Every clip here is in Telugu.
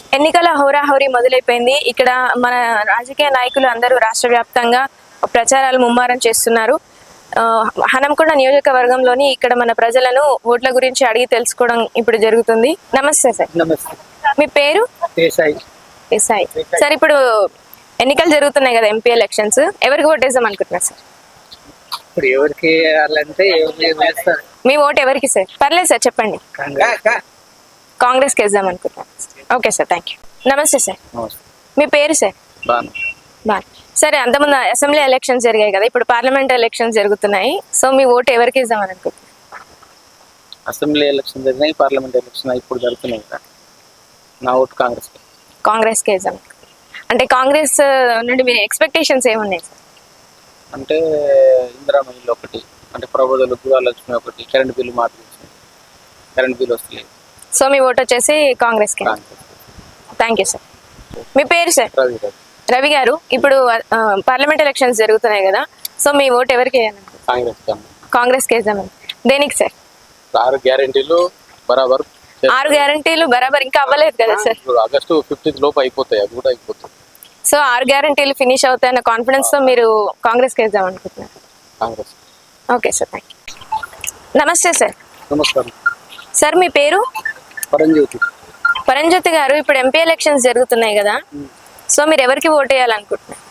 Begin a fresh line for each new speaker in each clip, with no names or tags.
ఎన్నికల హోరాహోరీ మొదలైపోయింది. ఇక్కడ మన రాజకీయ నాయకులు అందరూ రాష్ట్ర వ్యాప్తంగా ప్రచారాలు ముమ్మరం చేస్తున్నారు. హనంకొండ నియోజకవర్గంలోని ఇక్కడ మన ప్రజలను ఓట్ల గురించి అడిగి తెలుసుకోవడం ఇప్పుడు జరుగుతుంది. నమస్తే సార్.
నమస్తే.
మీ పేరు? ఎస్ఐ. సార్, ఇప్పుడు ఎన్నికలు జరుగుతున్నాయి కదా, ఎంపీ ఎలక్షన్స్, ఎవరికి ఓటేద్దాం అనుకుంటున్నారు సార్?
ఇప్పుడు ఎవరికి వేయాలంటే
మీ ఓటు ఎవరికి సార్? పర్లేదు సార్, చెప్పండి. కాంగ్రెస్కి వేద్దాం అనుకుంటున్నాను. Okay sir, thank you. నమస్తే సార్. మీ పేరు సార్? బాగా. సరే, అంతకుముందు అసెంబ్లీ ఎలక్షన్స్ జరిగాయి కదా, ఇప్పుడు పార్లమెంట్ ఎలక్షన్స్ జరుగుతున్నాయి. సో మీ ఓటు ఎవరికి ఇద్దామని అనుకుంటున్నారు?
అసెంబ్లీ ఎలక్షన్ జరిగినాయి, పార్లమెంట్ ఎలక్షన్ ఇప్పుడు జరుగుతున్నాయి కదా, నా ఓటు
కాంగ్రెస్కి వేద్దాం. అంటే కాంగ్రెస్ నుండి మీ ఎక్స్పెక్టేషన్స్ ఏమున్నాయి సార్?
అంటే ఇందిరా మహిళ ఒకటి, అంటే ప్రభుత్వ గృహలక్ష్మి ఒకటి, కరెంట్ బిల్లు మార్పు, కరెంట్ బిల్లు వస్తలేదు.
సో మీ ఓటు వచ్చేసి కాంగ్రెస్కి. Thank you sir. మీ పేరు సార్? రవి గారు, ఇప్పుడు పార్లమెంట్ ఎలక్షన్స్ జరుగుతున్నాయి కదా, సో మీ ఓటు ఎవరికి వేయాలి? కాంగ్రెస్కి వేద్దామని. దేనికి సార్?
6 గ్యారెంటీలు బరాబర్.
6 గ్యారెంటీలు బరాబర్ ఇంకా అవ్వలేదు కదా సార్?
ఆగస్టు 15 లోపు అయిపోతాయి, అది కూడా అయిపోతుంది.
సో 6 గ్యారెంటీలు ఫినిష్ అవుతాయన్న కాన్ఫిడెన్స్ తో మీరు కాంగ్రెస్కి వేద్దాం అనుకుంటున్నారు?
Congress.
Okay sir, thank you. నమస్తే సార్.
నమస్కారం
సార్, మీ పేరు? పరంజ్యోతి గారు, ఇప్పుడు ఎంపీ ఎలక్షన్స్ జరుగుతున్నాయి కదా, సో మీరు ఎవరికి ఓటు వేయాలనుకుంటున్నారు?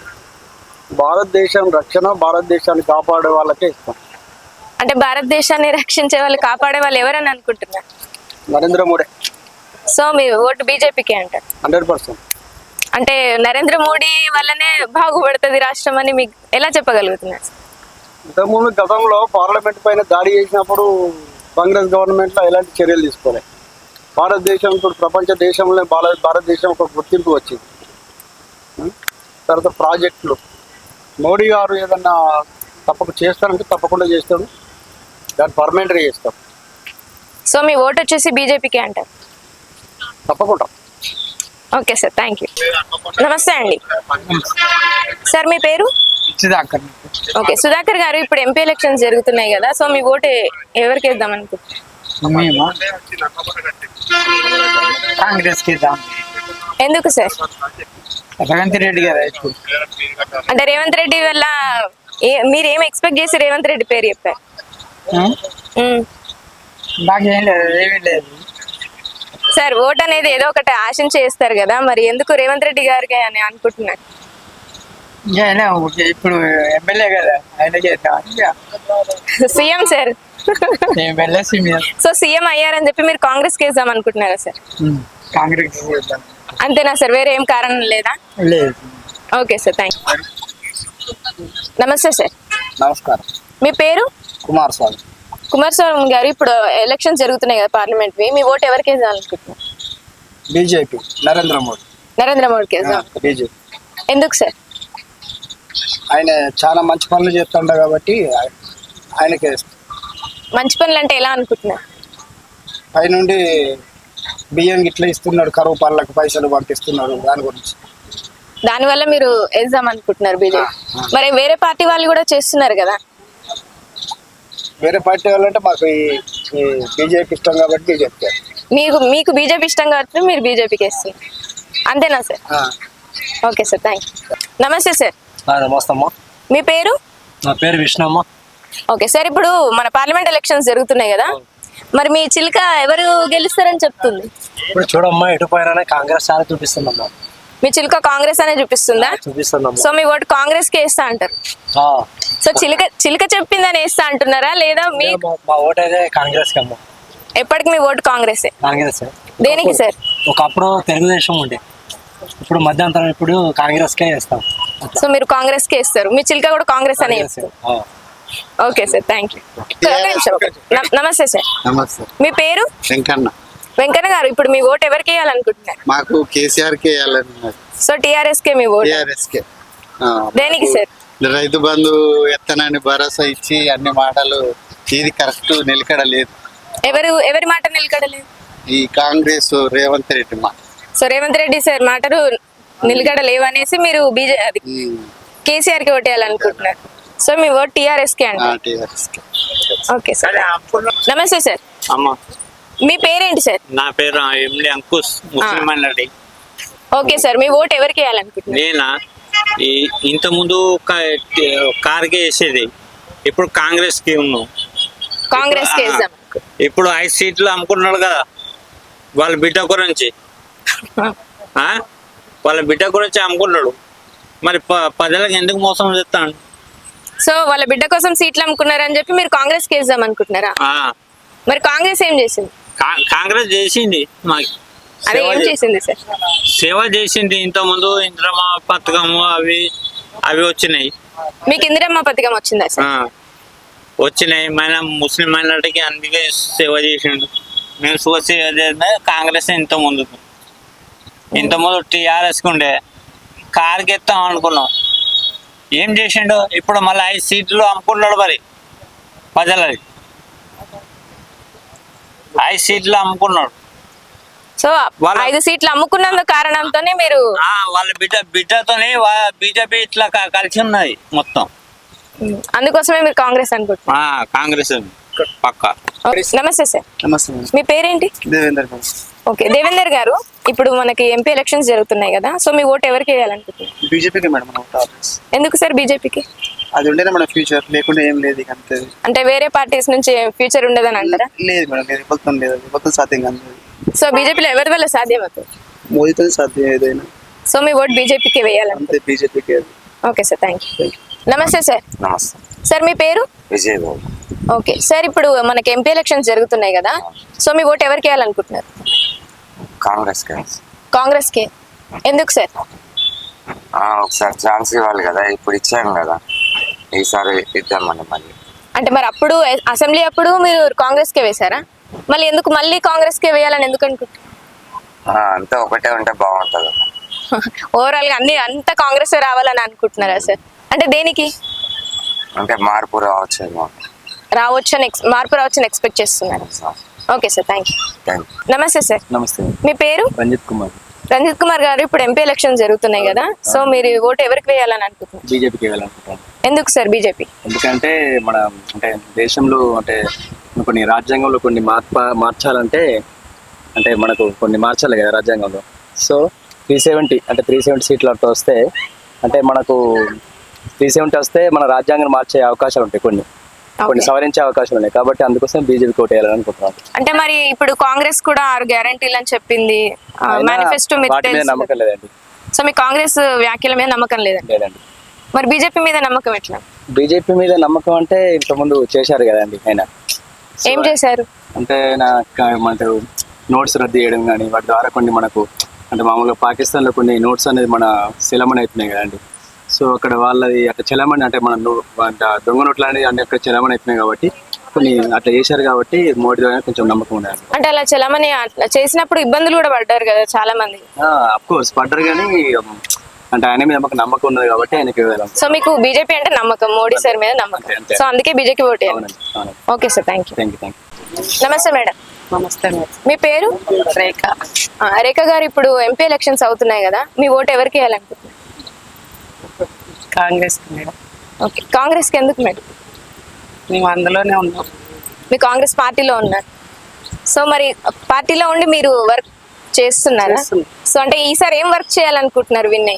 భారతదేశం రక్షణ, భారతదేశాన్ని కాపాడే వాళ్ళకే ఇస్తాం.
అంటే భారతదేశాన్ని రక్షించే వాళ్ళు, కాపాడే వాళ్ళు ఎవరని అనుకుంటున్నారు?
నరేంద్ర మోడీ.
సో మీ ఓటు బీజేపీకి అంటారు?
100%.
అంటే నరేంద్ర మోడీ వల్లనే బాగుపడుతుంది రాష్ట్రం అని మీకు ఎలా చెప్పగలుగుతున్నారు?
ఇంతకుముందు గతంలో పార్లమెంట్ పైన దాడి చేసినప్పుడు కాంగ్రెస్ గవర్నమెంట్లో ఎలాంటి చర్యలు తీసుకోలేదు. భారతదేశం ఇప్పుడు ప్రపంచ దేశంలో భారతదేశం ఒక గుర్తింపు వచ్చింది. తర్వాత ప్రాజెక్టులు మోడీ గారు ఏదన్నా చేస్తారంటే తప్పకుండా చేస్తాడు, దాన్ని పర్మనెంట్గా చేస్తాం.
సో మీ ఓటు వచ్చేసి బీజేపీకి అంటారు?
తప్పకుండా.
Okay sir, thank you. నమస్తే అండి. సార్, మీ పేరు?
సుధాకర్.
ఓకే, సుధాకర్ గారు, ఇప్పుడు ఎంపీ ఎలక్షన్స్ జరుగుతున్నాయి కదా, సో మీ ఓటు ఎవరికి వేద్దాం అనుకుంటున్నారు?
కాంగ్రెస్కి ఇద్దాం.
ఎందుకు సార్?
రేవంత్ రెడ్డి గారు.
అంటే రేవంత్ రెడ్డి వల్ల మీరు ఏం ఎక్స్పెక్ట్ చేసి రేవంత్ రెడ్డి పేరు చెప్పారు?
నాకేం లేదు, ఏమీ లేదు
సార్. ఓట్ అనేది ఏదో ఒకటి ఆశించి చేస్తారు కదా, మరి ఎందుకు రేవంత్ రెడ్డి గారికి అని అనుకుంటున్నారు?
ఇప్పుడు ఎమ్మెల్యే కదా, ఆయన
సీఎం సార్. సో సీఎం అయ్యారని చెప్పి మీరు కాంగ్రెస్ వేద్దాం అనుకుంటున్నారా సార్?
కాంగ్రెస్
అంతేనా సార్, వేరే ఏం కారణం లేదా?
లేదు.
Okay sir, thank you. నమస్తే సార్.
నమస్కారం.
మీ పేరు? కుమారస్వామి గారు, ఇప్పుడు ఎలక్షన్స్ జరుగుతున్నాయి కదా పార్లమెంట్ వి, మీ ఓటు ఎవరికి వేద్దాం అనుకుంటున్నారు?
బీజేపీ.
నరేంద్ర మోడీకి వేద్దాం.
బీజేపీ.
ఎందుకు సార్?
ఆయన చాలా మంచి పనులు చేస్తుండ కాబట్టి ఆయనకే.
మంచి పనులు అంటే ఎలా అనుకుంటున్నారు?
పైనుండి బియ్యం ఇట్లా ఇస్తున్నాడు, కరువు పనులకు పైసలు పంపిస్తున్నాడు, దాని గురించి.
దానివల్ల మీరు వేద్దాం అనుకుంటున్నారు బీజేపీ. మరి వేరే పార్టీ వాళ్ళు కూడా చేస్తున్నారు కదా?
వేరే పార్టీ వాళ్ళంటే మాకు బీజేపీ ఇష్టం కాబట్టి బీజేపీ.
మీకు బీజేపీ ఇష్టం కాబట్టి మీరు బీజేపీకి వేస్తున్నారు, అంతేనా sir? Okay sir, thank you. నమస్తే సార్.
నమస్తే అమ్మా.
మీ పేరు?
నా పేరు విష్ణు.
ఓకే సార్, ఇప్పుడు మన పార్లమెంట్ ఎలక్షన్స్ జరుగుతున్నాయి కదా, మరి మీ చిలుక ఎవరు గెలుస్తారని చెప్తుంది?
ఇప్పుడు చూడమ్మా, ఎటు పోయినా కాంగ్రెస్ చాలా చూపిస్తుందమ్మా.
మీ చిలుక కాంగ్రెస్ అనే చూపిస్తుందా?
చూపిస్తుందమ్మా.
సో మీ ఓటు కాంగ్రెస్ కి వేస్తా అంటారు? సో చిలుక చెప్పిందని వేస్తా అంటున్నారా, లేదా మీ?
మా ఓటు అయితే కాంగ్రెస్ కి అమ్మా.
ఎప్పటికి మీ ఓటు కాంగ్రెస్?
కాంగ్రెస్.
దేనికి సార్?
ఒకప్పుడు తెలుగుదేశం ఉండే, ఇప్పుడు మధ్యంతరం, ఇప్పుడు కాంగ్రెస్ కే వేస్తాం.
సో మీరు కాంగ్రెస్ కి వేస్తారు, మీ చిలుక కూడా కాంగ్రెస్ అనే చెప్తారు? Okay sir, thank you. నమస్తే సార్.
నమస్తే.
మీ పేరు? వెంకన్న గారు, ఇప్పుడు మీ ఓటు ఎవరికి వేయాలనుకుంటున్నారు?
మాకు కేసీఆర్ కే వేయాలన్నారు.
సో టీఆర్ఎస్ కే మీ ఓటు?
టీఆర్ఎస్ కే.
దేనికి సార్?
రైతు బంధు ఎత్తనని భరోసా ఇచ్చి అన్ని మాటలు, ఇది కరెక్ట్ నిలకడలేదు.
ఎవరి మాట నిలకడలేదు?
ఈ కాంగ్రెస్ రేవంత్ రెడ్డి మాట.
సో రేవంత్ రెడ్డి సార్ మాటలు నిలకడ లేవనేసి మీరు కేసీఆర్ కి ఓటు వేయాలనుకుంటున్నారు. సో మీ ఓటు టీఆర్ఎస్ కే అండి?
టీఆర్ఎస్ కే.
Okay sir. నమస్తే సార్. మీ పేరేంటి సార్?
నా పేరు MD Ankush, Muslim minority.
Okay sir, మీ ఓట్ ఎవరికి వేయాలనుకుంటున్నారు?
నేనా ఇంతకుముందు కార్కే వేసేది, ఇప్పుడు కాంగ్రెస్కి ఉన్నాం.
కాంగ్రెస్ కి వేద్దాం.
ఇప్పుడు 5 సీట్లు అమ్ముకున్నాడు కదా వాళ్ళ బిడ్డ గురించి. ఆ? వాళ్ళ బిడ్డ గురించి అమ్ముకున్నాడు, మరి ప్రజలకు ఎందుకు మోసం చేస్తాను?
సో వాళ్ళ బిడ్డ కోసం సీట్లు అమ్ముకున్నారని చెప్పి మీరు కాంగ్రెస్ కి వేద్దాం అనుకుంటున్నారా? మరి కాంగ్రెస్ ఏం చేసింది?
కాంగ్రెస్ చేసింది మాకు,
అదే ఏం చేసింది సార్?
సేవ చేసింది. ఇంతకుముందు ఇంద్రమ్మ పథకము అవి వచ్చినాయి.
మీకు ఇందిరమ్మ పథకం వచ్చిందా సార్?
వచ్చినాయి. మన ముస్లిం మైనారిటీకి అందుకే సేవ చేసిండు. మేము చూసి కాంగ్రెస్ ఇంతకుముందు టీఆర్ఎస్కి ఉండే కార్కి ఎత్తాం అనుకున్నాం. ఏం చేసిండు? ఇప్పుడు మళ్ళీ 5 సీట్లు అమ్ముకున్నాడు. మరి ప్రజలది 5 సీట్లు అమ్ముకున్నాడు.
సో 5 సీట్లు అమ్ముకున్నందు కారణంతోనే మీరు
వాళ్ళ బిడ్డతోనే బీజేపీ ఇట్లా కలిసి ఉన్నది మొత్తం.
అందుకోసమే మీరు కాంగ్రెస్ అనుకుంటున్నారు?
కాంగ్రెస్ పక్కా.
నమస్తే సార్.
నమస్తే.
మీ పేరేంటి?
దేవేందర్.
ఓకే, దేవేందర్ గారు, ఇప్పుడు మనకి ఎంపీ ఎలక్షన్స్ జరుగుతున్నాయి కదా, సో మీ ఓట్ ఎవరికి వేయాలనుకుంటున్నారు?
బీజేపీకి మేడం మన ఓట్ ఆల్వేస్.
ఎందుకు సార్ బీజేపీకి?
అది ఉండేనా మన ఫ్యూచర్, లేకుండా ఏం లేదు ఇక అంతే.
అంటే వేరే పార్టీస్ నుంచి ఫ్యూచర్ ఉండదని అంటారా?
లేదు మేడం, లేదు, మొత్తం లేదు, మొత్తం సాధ్యం కాదు.
సో బీజేపీలో ఎవరి వల్ల సాధ్యం అవుతుంది?
మోదీతో సాధ్యం ఏదైనా.
సో మీ ఓట్ బీజేపీకి వేయాలంటే?
అంతే, బీజేపీకి.
Okay sir, thank you. నమస్తే సార్.
నమస్తే
సార్ మీ పేరు?
విజయ్ బాబు.
ఓకే సార్, ఇప్పుడు మనకి ఎంపీ ఎలక్షన్స్ జరుగుతున్నాయి కదా, సో మీ ఓట్ ఎవరికి వేయాలనుకుంటున్నారు?
కాంగ్రెస్
కాంగ్రెస్ కి. ఎందుకు సార్?
ఒకసారి ఛాన్స్ ఇవ్వాలి కదా, ఇప్పుడు ఇచ్చాం కదా, ఈసారి ఇద్దామని మళ్ళీ.
అంటే మరి అప్పుడు అసెంబ్లీ అప్పుడు మీరు కాంగ్రెస్ కే వేశారా? మళ్ళీ ఎందుకు మళ్ళీ కాంగ్రెస్ కే వేయాలని ఎందుకు అనుకుంటున్నారు?
అంతా ఒకటే ఉంటే బాగుంటుంది.
ఓవరాల్ గా అంతా కాంగ్రెస్ రావాలని అనుకుంటున్నారా సార్? అంటే దేనికి?
అంటే మార్పు రావచ్చేమో.
మార్పు రావచ్చని ఎక్స్పెక్ట్ చేస్తున్నారు. Okay sir, thank you. నమస్తే సార్.
నమస్తే.
మీ పేరు?
రంజిత్ కుమార్.
రంజిత్ కుమార్ గారు, ఇప్పుడు ఎంపీ ఎలక్షన్ జరుగుతున్నాయి కదా, సో మీరు ఓటు ఎవరికి వేయాలని అనుకుంటున్నారు?
బీజేపీకి వేయాలనుకుంటున్నాను.
ఎందుకు సార్ బీజేపీ?
ఎందుకంటే మన అంటే దేశంలో అంటే కొన్ని రాజ్యాంగంలో కొన్ని మార్చాలంటే అంటే మనకు కొన్ని మార్చాలి కదా రాజ్యాంగంలో. సో 370 సీట్లు అట్లా వస్తే, అంటే మనకు 370 వస్తే మన రాజ్యాంగం మార్చే అవకాశాలు ఉంటాయి, కొన్ని సవరించే అవకాశాలు ఉన్నాయి. కాబట్టి అందుకోసం బీజేపీ ఓటు వేయాలని అనుకుంటున్నాను.
అంటే మరి ఇప్పుడు కాంగ్రెస్ కూడా 6 గ్యారంటీలు అని చెప్పింది, మేనిఫెస్టో
నమ్మకం లేదండి.
సో మీ కాంగ్రెస్ వ్యాఖ్యల మీద నమ్మకం లేదండి? మరి బీజేపీ మీద నమ్మకం ఎట్లా?
బీజేపీ మీద నమ్మకం అంటే ఇంతకుముందు చేశారు కదండి ఆయన.
ఏం చేశారు
అంటే మనకు నోట్స్ రద్దు చేయడం కానీ, వాటి ద్వారా కొన్ని మనకు అంటే మామూలుగా పాకిస్తాన్లో కొన్ని నోట్స్ అనేది మన చెలమణి అవుతున్నాయి కదండి. సో అక్కడ వాళ్ళది అట్లా చెలమణి అంటే మన దొంగ నోట్లు అనేది అంటే అక్కడ చెలమణి అవుతున్నాయి కాబట్టి కొన్ని అట్లా చేశారు కాబట్టి మోడీ ద్వారా కొంచెం నమ్మకం ఉండదు.
అంటే అలా చెలమణి అట్లా చేసినప్పుడు ఇబ్బందులు కూడా పడ్డారు కదా చాలా మంది.
అఫ్ కోర్స్ పడ్డారు, కానీ అంటే ఆయన మీద నమ్మకం ఉన్నది కాబట్టి ఆయనకి వెళ్ళాం.
సో మీకు బీజేపీ అంటే నమ్మకం, మోడీ సార్ మీద నమ్మకం, సో అందుకే బీజేపీ ఓటు వేయాలి. Okay sir, thank you. నమస్తే మేడం.
నమస్తే మేడం.
మీ పేరు?
రేఖ.
రేఖ గారు, ఇప్పుడు ఎంపీ ఎలక్షన్స్ అవుతున్నాయి కదా, మీ ఓటు ఎవరికి వేయాలనుకుంటున్నారు?
కాంగ్రెస్ మేడం.
ఓకే, కాంగ్రెస్ కి ఎందుకు మేడం?
మేము అందులోనే ఉన్నాం.
మీ కాంగ్రెస్ పార్టీలో ఉన్నారు, సో మరి పార్టీలో ఉండి మీరు వర్క్ చేస్తున్నారా? సో అంటే ఈసారి ఏం వర్క్ చేయాలనుకుంటున్నారు? విన్నయ్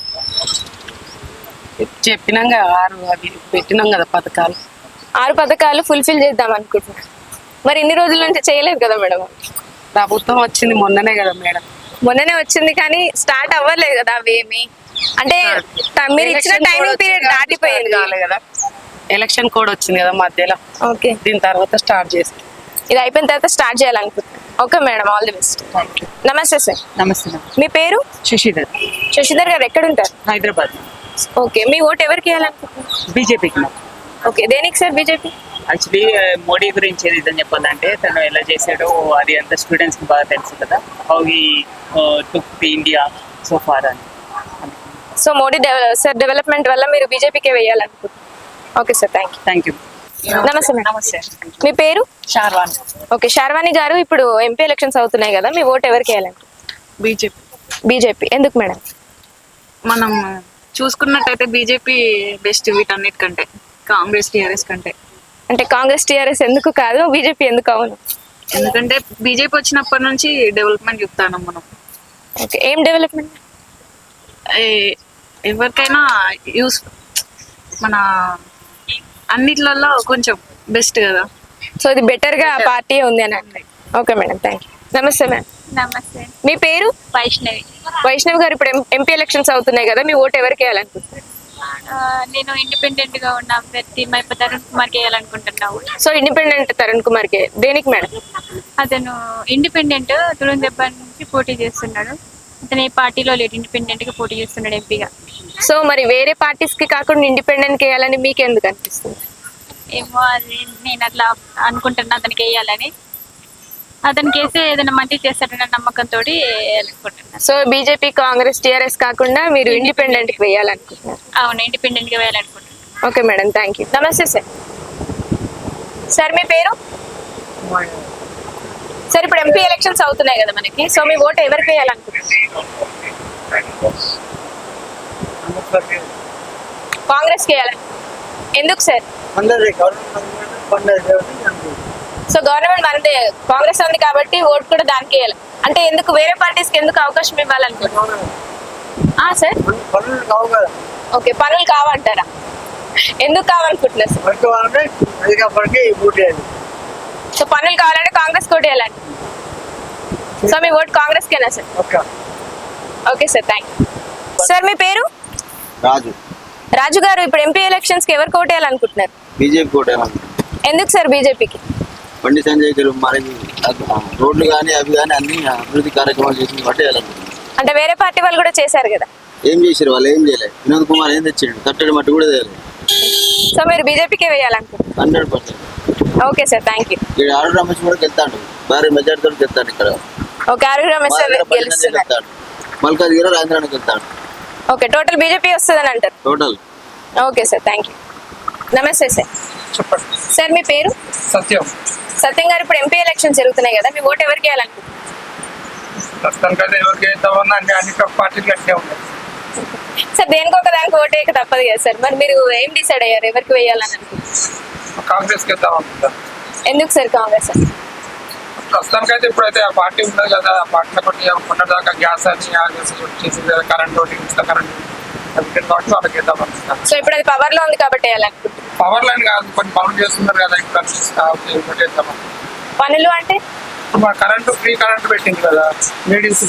చెప్పినాం కదా, 6 అవి పెట్టినాం కదా పథకాలు.
6 పథకాలు ఫుల్ఫిల్ చేద్దాం అనుకుంటున్నారు. మరి ఇన్ని రోజుల నుంచి చేయలేదు కదా మేడం?
ప్రభుత్వం వచ్చింది మొన్ననే కదా మేడం.
మొన్ననే వచ్చింది, కానీ స్టార్ట్ అవ్వలేదు కదా అవేమి. అంటే మీరు ఇచ్చిన టైమింగ్ పీరియడ్ దాటిపోయింది
కదా, ఎలక్షన్ కోడ్ వచ్చింది కదా మధ్యలో.
ఓకే,
దీని తర్వాత స్టార్ట్ చేస్తాం.
ఇది అయిపోయిన తర్వాత స్టార్ట్ చేయాలనుకుంటున్నాను. Okay madam, all the best. నమస్తే సార్.
నమస్తే.
మీ పేరు?
శశిధర్.
శశిధర్ గారు, ఎక్కడ ఉంటారు?
హైదరాబాద్.
ఓకే, మీ ఓటు ఎవరికి వేయాలనుకుంటున్నారు?
బీజేపీకి.
ఓకే, దేనికి సార్ బీజేపీ?
యాక్చువల్లీ మోడీ గురించి ఏదైతే చెప్పాలంటే, తను ఎలా చేశాడో అది అంతా స్టూడెంట్స్కి బాగా తెలుసు కదా, how he took the India so far అని.
సో మోడీ సార్ డెవలప్మెంట్ వల్ల మీరు బీజేపీకే వేయాలనుకుంటున్నారు. Okay sir, thank you. నమస్తే మేడం.
నమస్తే.
మీ పేరు?
షార్వాణి.
ఓకే, షార్వాణి గారు, ఇప్పుడు ఎంపీ ఎలక్షన్స్ అవుతున్నాయి కదా, మీ ఓటు ఎవరికి వేయాలనుకుంటున్నారు?
బీజేపీ.
బీజేపీ ఎందుకు మేడం?
మనం చూసుకున్నట్టయితే బీజేపీ బెస్ట్ వీటన్నిటికంటే, కాంగ్రెస్ టీఆర్ఎస్ కంటే.
అంటే కాంగ్రెస్ టీఆర్ఎస్ ఎందుకు కాదు, బీజేపీ ఎందుకు అవును?
ఎందుకంటే బీజేపీ వచ్చినప్పటి నుంచి డెవలప్మెంట్ చెప్తాను మనం.
ఓకే, ఏం డెవలప్మెంట్?
ఎవరికైనా యూస్ మన అన్నిట్లలో కొంచెం బెస్ట్ కదా.
సో ఇది బెటర్ గా పార్టీ ఉంది అని అంటే. Okay madam, thank you. నమస్తే మ్యామ్.
నమస్తే.
మీ పేరు?
వైష్ణవి.
వైష్ణవి గారు, ఇప్పుడు ఎంపీ ఎలక్షన్స్ అవుతున్నాయి కదా, మీ ఓటు ఎవరికి వేయాలనుకుంటున్నారు?
నేను ఇండిపెండెంట్ గా ఉన్న అభ్యర్థి మైప తరుణ్ కుమార్కి వేయాలనుకుంటున్నాను.
సో ఇండిపెండెంట్ తరుణ్ కుమార్ కి దేనికి మేడం?
అతను ఇండిపెండెంట్ తురుం దెబ్బ నుంచి పోటీ చేస్తున్నాడు. అతను ఏ పార్టీలో లేడు, ఇండిపెండెంట్ గా పోటీ చేస్తున్నాడు ఎంపీగా.
సో మరి వేరే పార్టీస్ కి కాకుండా ఇండిపెండెంట్ కి వేయాలని మీకు ఎందుకు అనిపిస్తుంది?
ఏమో అది నేను అట్లా అనుకుంటున్నా అతనికి వేయాలని. అతనికి వేస్తే ఏదైనా మంచి చేస్తాడన్న నమ్మకంతో వేయాలనుకుంటున్నాను.
సో బీజేపీ, కాంగ్రెస్, టీఆర్ఎస్ కాకుండా మీరు ఇండిపెండెంట్ కి వేయాలనుకుంటున్నారు?
అవును, ఇండిపెండెంట్ గా వేయాలనుకుంటున్నాను.
Okay madam, thank you. నమస్తే సార్. సార్ మీ పేరు? సార్ ఇప్పుడు ఎంపీ ఎలక్షన్స్ అవుతున్నాయి కదా మనకి, సో మీ ఓటు ఎవరికి వేయాలనుకుంటున్నారు? కాంగ్రెస్ కి వేయాలని. ఎందుకు సార్? సో గవర్నమెంట్ మనదే, కాంగ్రెస్ ఉంది కాబట్టి ఓటు కూడా దానికి వేయాలి అంటే ఎందుకు? వేరే పార్టీస్ కి ఎందుకు అవకాశం ఇవ్వాలనుకుంటున్నారు? సార్ ఓకే, పనులు కావంటారా? ఎందుకు కావాలనుకుంటున్నారు సార్? సో పనులు కావాలంటే కాంగ్రెస్ కోటి వేయాలండి. సో మీ ఓటు కాంగ్రెస్ కేనా sir? Okay sir, thank you. Sir మీ పేరు?
రాజు.
రాజు గారు, ఇప్పుడు ఎంపీ ఎలక్షన్స్ కి ఎవరు కోట్ వేయాలనుకుంటున్నారు?
బీజేపీ కోట.
ఎందుకు సార్ బీజేపీకి?
బండి సంజయ్ గారు మనకి రోడ్లు కానీ అవి కానీ అన్ని అభివృద్ధి కార్యక్రమాలు చేసింది బట్టి వేయాలనుకుంటున్నాను.
అంటే వేరే పార్టీ వాళ్ళు కూడా చేశారు కదా.
ఏం చేశారు వాళ్ళు? ఏం చేయలేదు. వినోద్ కుమార్ ఏం తెచ్చాడు? కట్టడి మట్టి కూడా తేలేదు.
సో మీరు బీజేపీకే వేయాలనుకుంటున్నారు?
100%.
Okay sir, thank you.
ఇక్కడ ఆరు రమేష్ కూడా వెళ్తాడు, భారీ మెజార్టీతో వెళ్తాడు. ఇక్కడ
ఓకే, ఆరు రమేష్ సార్ గెలుస్తున్నారు.
మల్కాజ్గిరి రాజేంద్రానికి వెళ్తాడు.
ఓకే, టోటల్ బీజేపీ వస్తుందని అంటారు?
Total.
Okay sir, thank you. నమస్తే సార్.
చెప్పండి.
సార్ మీ పేరు?
సత్యం.
సత్యం గారు, ఇప్పుడు ఎంపీ ఎలక్షన్స్ జరుగుతున్నాయి కదా, మీ ఓటు ఎవరికి వేయాలనుకుంటున్నారు?
ప్రస్తుతానికైతే ఎవరికి వేద్దామన్నా అన్ని పార్టీలు అట్లే ఉన్నాయి.
సార్ దేనికి ఒక దానికి ఓటు వేయక తప్పదు కదా సార్, మరి మీరు ఏం డిసైడ్ అయ్యారు ఎవరికి వేయాలని అనుకుంటున్నారు?
కాంగ్రెస్కి వేద్దాం అనుకుంటాను.
ఎందుకు సార్ కాంగ్రెస్?
ప్రస్తుతానికైతే ఇప్పుడైతే ఆ పార్టీ ఉన్నది కదా, ఆ పార్టీలో కొన్ని మొన్నటిదాకా గ్యాస్ అని చేసింది కదా, కరెంట్ ఒకటి, ఇన్స్టా కరెంట్ కాబట్టి వాళ్ళకి వేద్దాం అనుకుంటాను.
సో ఇప్పుడు అది పవర్ లో ఉంది కాబట్టి వేయాలనుకుంటున్నారు?
పవర్ లైన్ కాదు, కొన్ని పనులు చేస్తున్నారు కదా, ఇప్పుడు వేద్దాం.
పనులు అంటే
కరెంటు, ఫ్రీ కరెంట్ పెట్టింది కదా లేడీస్,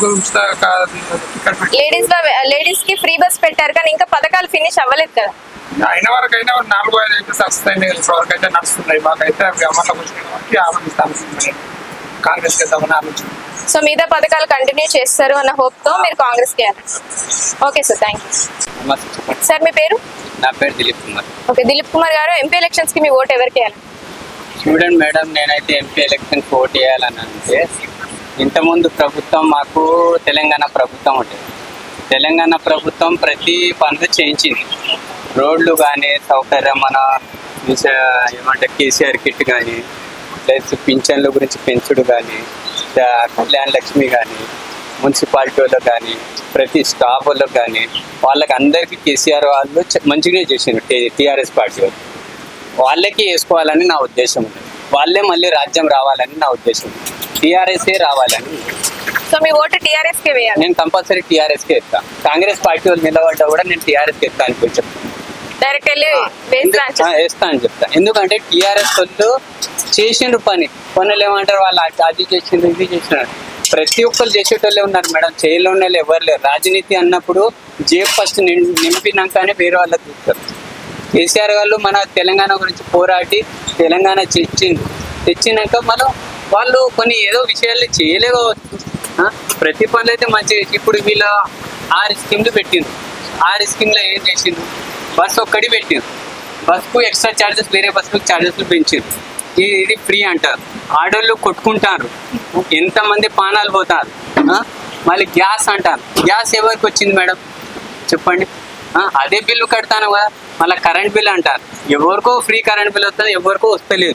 లేడీస్ కి ఫ్రీ బస్ పెట్టారు కానీ ఇంకా పథకాలు ఫినిష్ అవ్వలేదు కదా.
అయిన వరకు అయినా 4-5 అయితే సక్సెస్ అయినాయి. ఇప్పటివరకు అయితే నడుస్తున్నాయి. మాకైతే అవి అమల్లోకి వచ్చినాయి కాబట్టి ఆలోచిస్తాను కాంగ్రెస్ చేద్దామని ఆలోచన.
సో మిగతా పథకాలు కంటిన్యూ చేస్తారు అన్న హోప్ తో మీరు కాంగ్రెస్ కి వేయాలి. Okay sir, thank you. Sir మీ పేరు?
నా పేరు Dilip Kumar.
Okay, Dilip Kumar garu, MP elections కి మీ ఓటు ఎవరికి వేయాలి?
చూడండి మేడం, నేనైతే ఎంపీ ఎలక్షన్ ఓటు వేయాలని అంటే, ఇంతకుముందు ప్రభుత్వం మాకు తెలంగాణ ప్రభుత్వం ఉంటుంది. తెలంగాణ ప్రభుత్వం ప్రతి పనులు చేయించింది. రోడ్లు కానీ, సౌకర్యం మన ఏమంటే కేసీఆర్ కిట్ కానీ, ప్లస్ పింఛన్ల గురించి పెంచుడు కానీ, కళ్యాణ లక్ష్మి కానీ, మున్సిపాలిటీ వాళ్ళకి కానీ, ప్రతి స్టాఫ్ వాళ్ళకి కానీ, వాళ్ళకి అందరికీ కేసీఆర్ వాళ్ళు మంచిగా చేసిండ్రు. టీఆర్ఎస్ పార్టీ వాళ్ళు వాళ్ళకి వేసుకోవాలని నా ఉద్దేశం ఉంది. వాళ్ళే మళ్ళీ రాజ్యం రావాలని నా ఉద్దేశం. టీఆర్ఎస్ఏ రావాలని.
సో మీ ఓటు టీఆర్ఎస్ కే వేయాలి?
నేను కంపల్సరీ టీఆర్ఎస్కే ఇస్తాను. కాంగ్రెస్ పార్టీ వాళ్ళు నిలబడ్డా కూడా నేను టీఆర్ఎస్కి ఇస్తాను అని చెప్తాను.
డైరెక్ట్ వెళ్ళి
వేస్తా అని చెప్తాను. ఎందుకంటే టీఆర్ఎస్ వాళ్ళు చేసిండ్రు పనులు ఏమంటారు, వాళ్ళు అది చేసిండ్రు, ఇది చేసినారు. ప్రతి ఒక్కరు చేసేటోళ్ళే ఉన్నారు మేడం, చేయలో ఉన్న వాళ్ళు ఎవరు లేరు. రాజనీతి అన్నప్పుడు జేబు ఫస్ట్ నింపినాకనే వేరే వాళ్ళకి చూస్తారు. కేసీఆర్ వాళ్ళు మన తెలంగాణ గురించి పోరాటి తెలంగాణ తెచ్చినాక మనం వాళ్ళు కొన్ని ఏదో విషయాలు చేయలేకపోవచ్చు. ప్రతి పనులు అయితే మంచిగా. ఇప్పుడు వీళ్ళ 6 స్కీమ్లు పెట్టిండ్రు. 6 స్కీమ్లో ఏం చేసిండ్రు? బస్ ఒక్కటి పెట్టిండ్రు. బస్కు ఎక్స్ట్రా ఛార్జెస్, వేరే బస్సుకు ఛార్జెస్లు పెంచారు. ఇది ఫ్రీ అంటారు. ఆడోళ్ళు కొట్టుకుంటారు, ఎంతమంది ప్రాణాలు పోతారు. మళ్ళీ గ్యాస్ అంటారు. గ్యాస్ ఎవరికి వచ్చింది మేడం చెప్పండి? అదే బిల్లు కడతాను కదా. మళ్ళీ కరెంట్ బిల్ అంటారు. ఎవరికో ఫ్రీ కరెంట్ బిల్ వస్తుంది, ఎవరికో వస్తలేదు.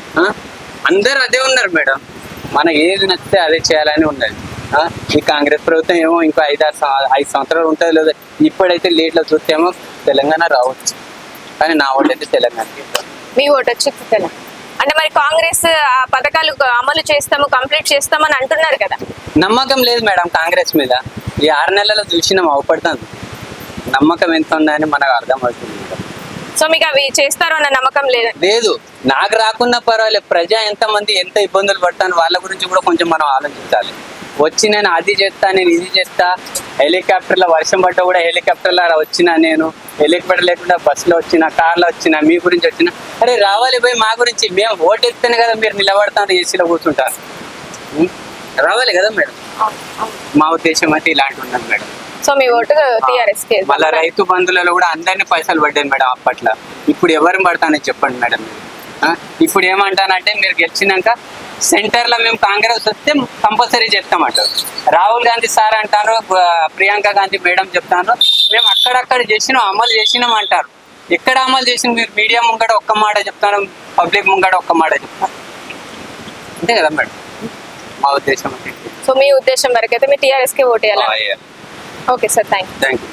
అందరూ అదే ఉన్నారు మేడం. మనకి ఏది నచ్చితే అదే చేయాలని ఉన్నది. ఈ కాంగ్రెస్ ప్రభుత్వం ఏమో ఇంకో 5 సంవత్సరాలు ఉంటుంది లేదా. ఇప్పుడైతే లేట్లో చూస్తేమో తెలంగాణ రావచ్చు, కానీ నా ఓటు అయితే తెలంగాణకి.
మీ ఓటు వచ్చి తెలంగాణ? అంటే మరి కాంగ్రెస్ ఆ పథకాలు అమలు చేస్తాము, కంప్లీట్ చేస్తామని అంటున్నారు కదా.
నమ్మకం లేదు మేడం కాంగ్రెస్ మీద. ఈ 6 నెలల్లో చూసినాం అవపడుతుంది. నమ్మకం ఎంత ఉందని మనకు అర్థమవుతుంది.
సో మీకు అవి చేస్తారు అన్న నమ్మకం లేదు?
లేదు, నాకు రాకున్నా పర్వాలేదు. ప్రజా ఎంతమంది ఎంత ఇబ్బందులు పడతాను వాళ్ళ గురించి కూడా కొంచెం మనం ఆలోచించాలి. వచ్చి నేను అది చేస్తా, నేను ఇది చేస్తా, హెలికాప్టర్లో వర్షం పడ్డా కూడా హెలికాప్టర్లో వచ్చినా, నేను హెలికాప్టర్ లేకుండా బస్సులో వచ్చిన, కార్లో వచ్చిన, మీ గురించి వచ్చిన, అరే రావాలి పోయి మా గురించి. మేము ఓటు ఎత్తేనే కదా మీరు నిలబడతాను, ఏసీలో కూర్చుంటారు. రావాలి కదా మేడం. మా ఉద్దేశం అయితే ఇలాంటి ఉన్నది మేడం.
సో మీ ఓటు టీఆర్ఎస్ కి.
మళ్ళీ రైతు బంధువులలో కూడా అందరినీ పైసలు పడ్డాయి మేడం అప్పట్లో. ఇప్పుడు ఎవరిని పడతానని చెప్పండి మేడం. ఇప్పుడు ఏమంటానంటే మీరు గెలిచినాక సెంటర్లో మేము కాంగ్రెస్ వస్తే కంపల్సరీ చెప్తామంటారు. రాహుల్ గాంధీ సార్ అంటారు, ప్రియాంక గాంధీ మేడం చెప్తాను, మేము అక్కడక్కడ చేసినాం, అమలు చేసినాం అంటారు. ఎక్కడ అమలు చేసిన మీరు మీడియా ముంగడ ఒక్క మాట చెప్తాను, పబ్లిక్ ముంగడ ఒక్క మాట చెప్తాను. అంతే కదా మేడం మా ఉద్దేశం.
సో మీ ఉద్దేశం వరకు అయితే మీరు టీఆర్ఎస్ కి ఓటు వేయాలి. Okay sir, thank you.